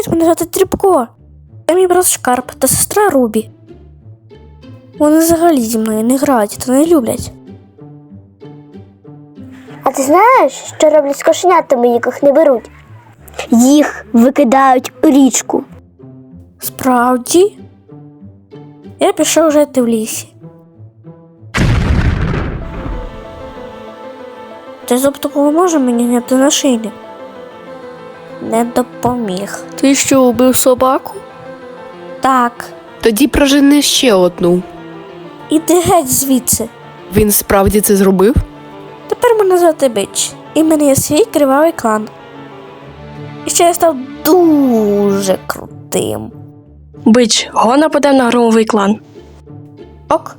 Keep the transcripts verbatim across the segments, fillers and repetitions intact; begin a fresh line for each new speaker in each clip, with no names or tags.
Привіт, мене звати Тріпко. Це мій брат Шкарп та сестра Рубі. Вони взагалі зі мною не грають та не люблять.
А ти знаєш, що роблять з кошенятами, яких не беруть? Їх викидають у річку.
Справді? Я пішов жити в лісі. Ти зуб допоможе мені зняти нашийник? Не допоміг.
Ти що, убив собаку?
Так.
Тоді прожени ще одну.
Іди геть звідси.
Він справді це зробив?
Тепер мене звати Бич. І в мене є свій кривавий клан. І ще я став дуже крутим.
Бич, го нападе на громовий клан.
Ок.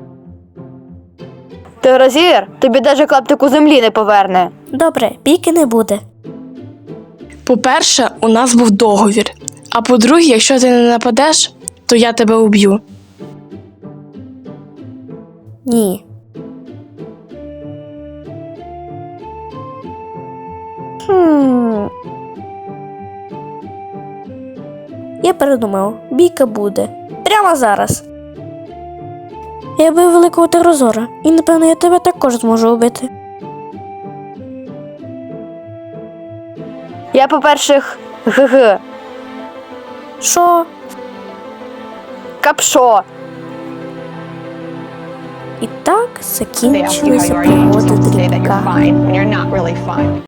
Ти розір, тобі даже клаптику землі не поверне.
Добре, бійки не буде.
По-перше, у нас був договір. А по-друге, якщо ти не нападеш, то я тебе уб'ю.
Ні. Хм. Я передумав, бійка буде. Прямо зараз. Я бив великого терозора, і напевно я тебе також зможу убити.
Я, по-перших, ГГ.
Що?
Капшо.
І так закінчилися пригоди Дрібка.